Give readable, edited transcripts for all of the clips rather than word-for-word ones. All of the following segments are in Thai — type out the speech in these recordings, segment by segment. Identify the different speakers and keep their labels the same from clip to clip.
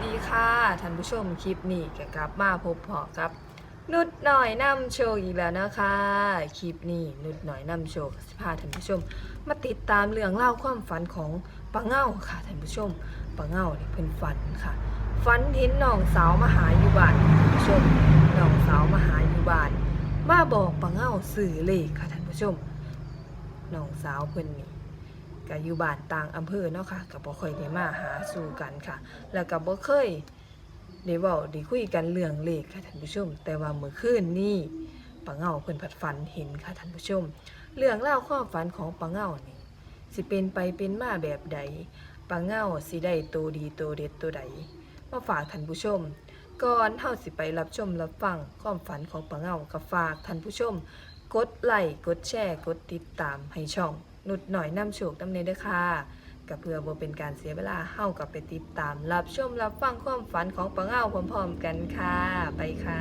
Speaker 1: ดีค่ะท่านผู้ชมคลิปนี้ก็กลับมาพบพอกับนุชหน่อยนำโชว์อีกแล้วนะคะคลิปนี้นุชหน่อยนำโชว์สิพาท่านผู้ชมมาติดตามเรื่องเล่าความฝันของป้าเง่าค่ะท่านผู้ชมป้าเง่านี่เป็นฝันค่ะฝันเห็นน้องสาวมาหาอยู่บ้านท่านผู้ชมน้องสาวมาหาอยู่บ้านมาบอกป้าเง่าสื่อเลขค่ะท่านผู้ชมน้องสาวเพิ่นนี่ก็อยู่บ้านต่างอำเภอเนาะค่ะก็บ่ค่อยได้มาหาสู่กันค่ะแล้วก็บ่เคยได้เว้าได้คุยกันเรื่องเลขค่ะท่านผู้ชมแต่ว่าเมื่อคืนนี้ป้าเง่าเพิ่นผัดฝันเห็นค่ะท่านผู้ชมเรื่องราวความฝันของป้าเง่านี่สิเป็นไปเป็นมาแบบใดป้าเง่าสิได้โตดีโตเด็ดโตใดมาฝากท่านผู้ชมก่อนเฮาสิไปรับชมรับฟังความฝันของป้าเง่าก็ฝากท่านผู้ชมกดไลค์กดแชร์กดติดตามให้ช่องนุชหน่อยนำโชคนำเนเด้อค่ะก็เพื่อบ่เป็นการเสียเวลาเฮากับไปติดตามรับชมรับฟังความฝันของป้าเง่าพร้อมๆกันค่ะไปค่ะ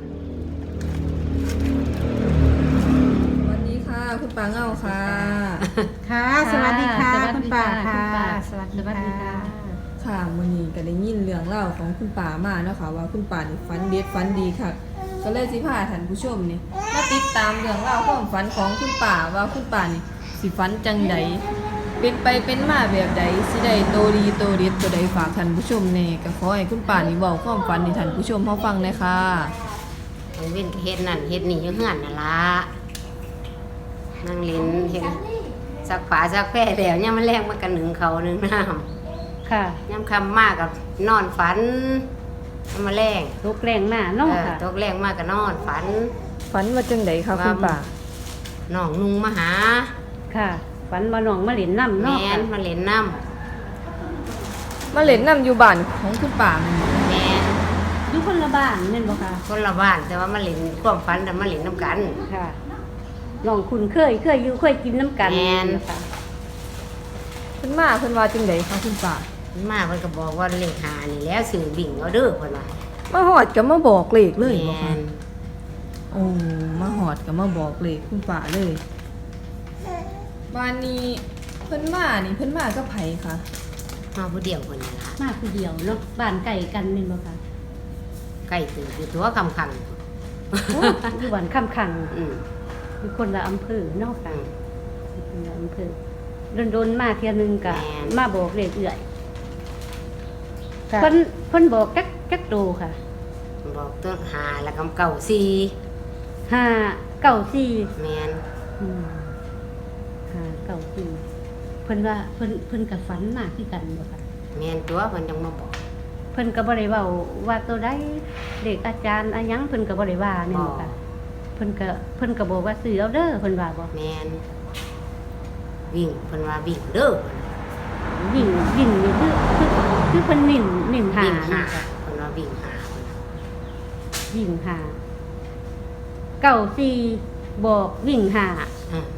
Speaker 1: สวัสดีค่ะคุณป้าเง่าค่ะ
Speaker 2: ค่ะสวัสดีค่ะคุณป่าค่ะ
Speaker 3: สวัสดีค่ะ
Speaker 1: ค่ะมื้อนี้ก็ได้ยินเรื่องเล่าของคุณป่ามาเนาะค่ะว่าคุณป่านี่ฝันเด็ดฝันดีค่ะก็เลยสิพาท่านผู้ชมนี่มาติดตามเรื่องเล่าความฝันของคุณป่าว่าคุณป่านี่สิฝันจังใดเป็นไปเป็นมาแบบใดสิได้โตดีโตเด็ดตัวใดฝากท่านผู้ชมแน่ก็ขอให้คุณป่านี่เว้าความฝันให้ท่านผู้ชมเฮาฟังเลยค่ะ
Speaker 3: มันเป็นเฮ็ดนั่นเฮ็ดนี่อยู่เฮือนนั่นล่ะนั่งเล่นเฮ็ดซักผ้าซักแพร่แล้วยามมันแรงมันก็นึ่งข้าวนึ่งน้ำ
Speaker 2: ค่ะ
Speaker 3: ยามค่ำมากก็นอนฝันยามมาแรง
Speaker 2: ลูกแรงมากเน้องค่ะ
Speaker 3: ตกแรงมากก็นอนฝัน
Speaker 1: ฝันว่าจังใดคะคุณป่า
Speaker 3: น้องนุ่งมาหา
Speaker 2: ค่ะฝันมาหนองมาเหรียญน้ำ
Speaker 3: แม่
Speaker 2: เนาะค่ะ
Speaker 3: นมาเล่นน้
Speaker 1: มาเล่นน้ำอยู่บ้านของคุณป่าแม่นบ่
Speaker 3: ำแม่น
Speaker 2: อยู่คนละบ้านแม่นบ่ค่ะ
Speaker 3: คนละบ้านแต่ว่ามาเล่นความฝันแต่มาเล่นน้ำกัน
Speaker 2: ค่ะน้องคุณเคยอยู่เคยกินน้ำกัน
Speaker 3: แม่น
Speaker 2: ค่ะ
Speaker 1: เพิ่นมาเพิ่นว่าจังใดคะคุณป่า
Speaker 3: มาเพิ่นก็บอกว่าเลขหานี่แล้วซื้อบิ่งเอาเด้อเพิ่นว่า
Speaker 1: มาหอดก็มาบอกเลขเลยบ่
Speaker 3: แม่
Speaker 1: คะ
Speaker 3: น
Speaker 1: โอ้มาหอดก็มาบอกเลขคุณป่าเลยบ้านนี้เพิ่นมานี่เพิ่นมากับไผคะ
Speaker 3: มาผู้เดียวเพิ่นนี่ล่ะ
Speaker 2: มาคือเดียวเนาะบ้านไก่กันแม่นบ่ค่ะ
Speaker 3: ใกล้ตื่นอยู่ตัวคำคัง
Speaker 2: โอ้อยู่บ้านคำขัง
Speaker 3: อืม
Speaker 2: อยู่คนละอำเภอเนาะค่ะ
Speaker 3: อืม
Speaker 2: คนละอำเภอโดนๆมาเที่ยนึงก็
Speaker 3: แม่น
Speaker 2: มาบอกเลขเอื่อย
Speaker 1: ค่ะ
Speaker 2: เพิ่นบอกจักโตค่ะ
Speaker 3: บอกต้นหาแล้วก็เก่าซี
Speaker 2: 594
Speaker 3: แมน
Speaker 2: อืมเก่าจริงเพิ่นว่าเพิ่นกับฝันมากคือกันบ่ค่ะ
Speaker 3: แมนตัวเพิ่นจังมาบอก
Speaker 2: เพิ่นก็บ่ได้เว้าว่าตัวใดเด็กอาจารย์อะหยังเพิ่นก็บ่ได้ว่าแม่นบ่ค่ะเพิ่นก็บอกว่าซื้อเอาเด้อเพิ่นว่าบ่
Speaker 3: แมนวิ่งเพิ่นว่าวิ่งเด้อ
Speaker 2: วิ่งนี่คือเพิ่นนิ่นหา
Speaker 3: วิ่งหา
Speaker 2: ค่ะ
Speaker 3: เพิ่นว่าวิ่งหา
Speaker 2: วิ่งหาเก่าซีบอกวิ่งหา
Speaker 3: อืม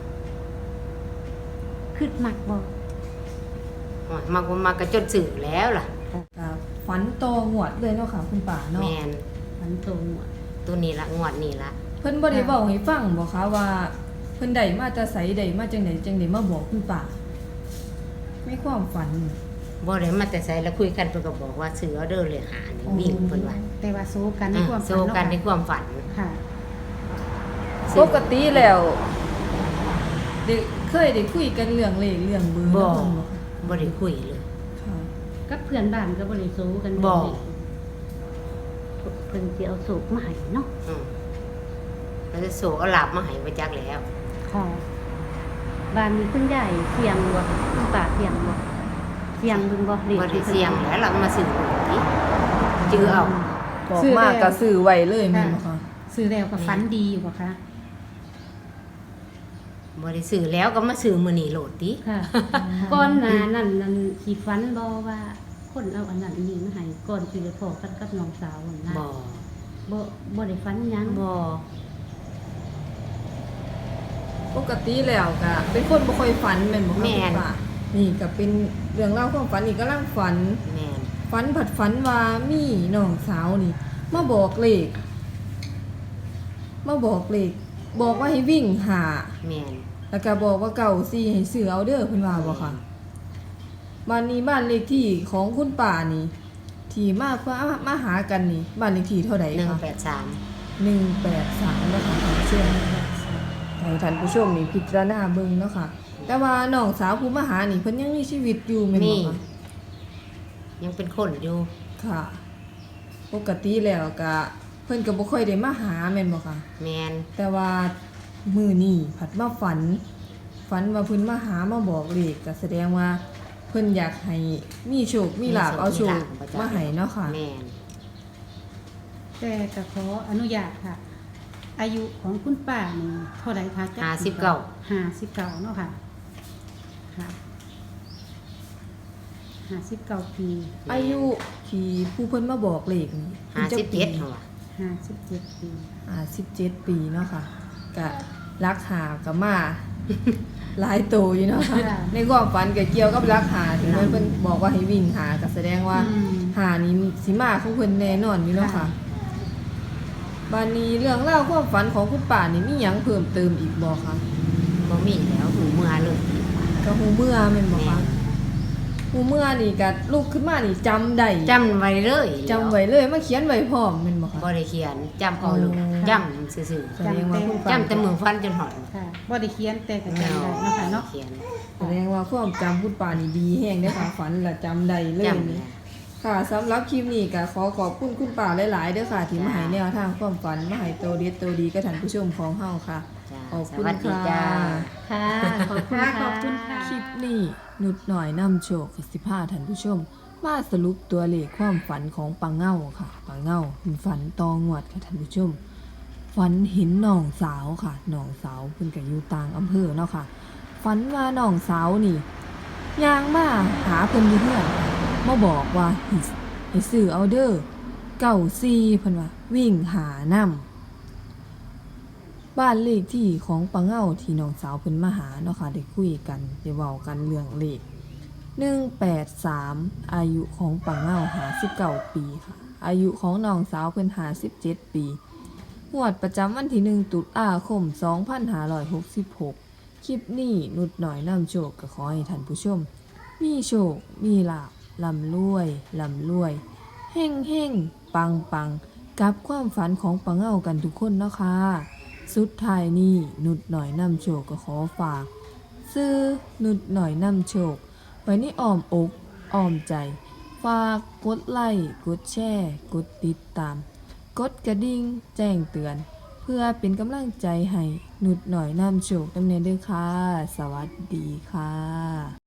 Speaker 2: คิดมักบ่
Speaker 3: โอ้ยมากบ่มากก็จนสื่อแล้วล่ะ
Speaker 1: ครับฝันโตงวดเลยเนาะค่ะคุณป่าเนาะ
Speaker 3: แมน
Speaker 2: มันตรงหมด
Speaker 3: ตัวนี้ละงวดนี้ละ
Speaker 1: เพิ่นบ่ได้เว้าให้ฟังบ่คะว่าเพิ่นได้มาแต่ไสได้มาจังไดจังไดมาบอกคุณป่าไม่ความฝัน
Speaker 3: บ่ได้มาแต่ใส่แล้วคุยกันเพิ่นก็บอกว่าซื้อเอาเด้อเลยหานี่วิ่งเพิ่นว่า
Speaker 2: แต่ว่าสู้กันในความฝัน
Speaker 3: โซกันในความฝัน
Speaker 2: ค่ะ
Speaker 1: ปกติแล้วได้เคยได้คุยกันเรื่องเลขเรื่องเบอร์
Speaker 3: บ่
Speaker 1: เนาะเพิ่นบ่คะ
Speaker 3: บ่ได้คุยเลย
Speaker 1: ค่ะ
Speaker 2: กับเพื่อนบ้านก็บ่ได้สู้กัน
Speaker 3: บ่
Speaker 2: เพิ่นสิเอาสูบมาให้เนาะ
Speaker 3: อืมแล้วจะโซเอาหลับมาให้ไปจักแล้ว
Speaker 2: ค่ะบ้านมีคุณยายเสียงบ่คุณป้าเสียงบ่เสียงเบิ่งบ่
Speaker 3: บ่ได้เสียงแล้วเรามาซื้อนี่จื้อเอา
Speaker 1: บอกมากก็ซื้อไว้เลยแม่นบ่คะ
Speaker 4: ซื้อแล้วก็ฝันดีอยู่บ่คะ
Speaker 3: บ่ได้ซื้อแล้วก็มาซื้อมื้อนี้โหลดติ
Speaker 2: ค่ะ ก่อนหน้านั้นนั่นสิฝันบ่ว่าคนเอาอันนั้นอันนี้มาให้ก่อนสิได้พอกันกับน้องสาวนั่นนะ
Speaker 3: บ่
Speaker 2: บ่ได้ฝันหยัง
Speaker 3: บ่
Speaker 1: ปกติแล้วก็เป็นคนบ่ค่อยฝันแม่นบ่คะคุณป่านี่ก็เป็นเรื่องเล่าวความฝันอีกกำลังฝัน
Speaker 3: แม่น
Speaker 1: ฝันผัดฝันว่ามีน้องสาวนี่มาบอกเลขบอกว่าให้วิ่งหา
Speaker 3: แม่น
Speaker 1: แล้วก็บอกว่าเก่าซี่ให้ซื้อเอาเด้อเพิ่นว่าบ่ค่ะบ้านนี้บ้านเลขที่ของคุณป่านี่ ทที่มาหากันนี่บ้านเลขที่เท่าใดคะ
Speaker 3: 183
Speaker 1: 183นะคะท่านผู้ชมให้ท่านผู้ชมนี่พิจารณาเบิ่งเนาะค่ะแต่ว่าน้องสาวผู้มาหานี่เพิ่นยังมีชีวิตอยู่แม่น
Speaker 3: มี
Speaker 1: บ่คะ
Speaker 3: ยังเป็นคนอยู่
Speaker 1: ค่ะ ปกติแล้วก็เพิ่นก็บ่ค่อยได้มาหาแม่นบ่คะ
Speaker 3: แมน
Speaker 1: แต่ว่ามื้อนี้ผัดมาฝันว่าเพิ่นมาหามาบอกเลขก็แสดงว่าเพิ่นอยากให้มีโชคมีลาภเอาโชคมาให้เนาะค่ะ
Speaker 3: แมน
Speaker 4: แต่ก็ขออนุญาตค่ะ อายุของคุณป้านี่เท่าไหร่คะจ๊ะ 59เนาะค่ะค่ะ59 ปี
Speaker 1: อายุที่ผู้เพิ่นมาบอกเลขนี่เพิ่นจักปี
Speaker 3: 57เหรอวะ
Speaker 4: 57 ปี
Speaker 1: 17 ปีเนาะค่ะก็รักหาก็มา หลายโตอยู่เนาะค่ะในความฝันก็เกี่ยวกับรักหาที่เพิ่นบอกว่าให้วิ่งหาก็แสดงว่า หานี่สิมาของเพิ่นแน่นอนอยู่เนาะค่ะบัดนี้เรื่องเล่าวความฝันของคุณป้านี่มีหยังเพิ่มเติมอีกบ่คะ
Speaker 3: บ่มีแล้วหูเมื่อเลย
Speaker 1: ก็ฮู้เมื่อแม่นบ่คะฮู้เมื่อนี่ก็ลุกขึ้นมานี่จำได้
Speaker 3: จำไว้เลย
Speaker 1: จำไว้เลยมาเขียนไว้พร้อมแม่นบ่คะ
Speaker 3: บ่ได้เขียนจำเอาเลยจำซื่อ
Speaker 1: แสดงว่าคุณ
Speaker 3: ๆ
Speaker 1: ป้า
Speaker 3: จำแต่มือฟันจนหอด
Speaker 4: ค่ะบ่ได้เขียนแต่ก็จำได้เนาะค่ะเนาะ
Speaker 3: เขียน
Speaker 1: แสดงว่าความจำคุณป้านี่ดีแฮงเด้อค่ะฝันแล้วจำได้เลย
Speaker 3: จำ
Speaker 1: นี่
Speaker 3: เลย
Speaker 1: ค่ะสำหรับคลิปนี้ก็ขอขอบคุณคุณป้าหลายๆเด้อค่ะที่มาให้แนวทางความฝันมาให้โตเด็ดโตดีกับท่านผู้ชมของเฮาค่ะ
Speaker 3: จ้า
Speaker 1: ขอบ
Speaker 3: ส
Speaker 1: คุณ
Speaker 3: วัสดี
Speaker 1: ค่ะ
Speaker 3: จ้า
Speaker 2: ค่ะ ขอบคุณ
Speaker 4: ขอบคุณค่ะ
Speaker 1: คลิปนี้นุดหน่อยนำโชคสิพาท่านผู้ชม มาสรุปตัวเลขความฝันของปังเง่าค่ะปังเง่าเป็นฝันตองวดค่ะท่านผู้ชม ฝันเห็นน้องสาวค่ะน้องสาวเพิ่นก็อยู่ต่างอำเภอเนาะค่ะฝันว่าน้องสาวนี่ย่างมาหาเพิ่นอยู่เพื่อนค่ะมาบอกว่าให้ซื้อเอาเด้อ94เพิ่นว่าวิ่งหานำ บ้านเลขที่ของปังเง่าที่น้องสาวเพิ่นมาหาเนาะค่ะได้คุยกันได้เว้ากันเรื่องเลข183อายุของปังเง่า59ปีค่ะอายุของน้องสาวเพิ่น57ปีงวดประจำวันที่1ตุลาคม2566คลิปนี้นุดหน่อยนำโชคก็ขอให้ท่านผู้ชม มีโชคมีลาภร่ำรวยเฮ่งปังกับความฝันของปังเง่ากันทุกคนเนาะค่ะ สุดท้ายนี้นุดหน่อยนำโชคก็ขอฝาก ซื้อนุดหน่อยนำโชคไว้ในอ้อมอกอ้อมใจ ฝากกดไลค์กดแชร์กดติดตาม กดกระดิ่งแจ้งเตือน เพื่อเป็นกำลังใจให้นุดหน่อยนำโชคดำเนินด้วยค่ะ สวัสดีค่ะ